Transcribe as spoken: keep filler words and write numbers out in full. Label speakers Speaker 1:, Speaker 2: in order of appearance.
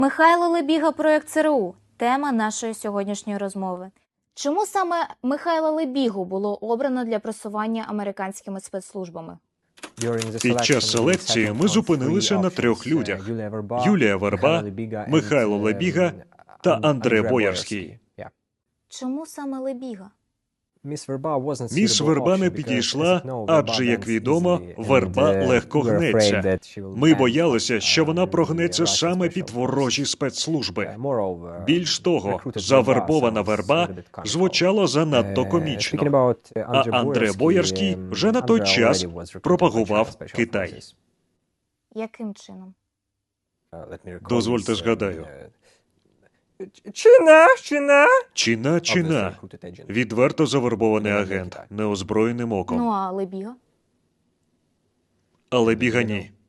Speaker 1: Михайло Лебіга, проект ЦРУ – тема нашої сьогоднішньої розмови. Чому саме Михайла Лебігу було обрано для просування американськими спецслужбами?
Speaker 2: Під час селекції ми зупинилися на трьох людях – Юлія Верба, Михайло Лебіга та Андре Боярський.
Speaker 1: Чому саме Лебіга?
Speaker 2: Міс Верба не підійшла, адже, як відомо, Верба легко гнеться. Ми боялися, що вона прогнеться саме під ворожі спецслужби. Більш того, завербована Верба звучало занадто комічно. А Андре Боярський вже на той час пропагував Китай.
Speaker 1: Яким чином?
Speaker 2: Дозвольте згадаю.
Speaker 3: Чина, чина.
Speaker 2: Чина, чина. Відверто завербований агент, неозброєним оком.
Speaker 1: Ну а Лебіга?
Speaker 2: Але Біга ні.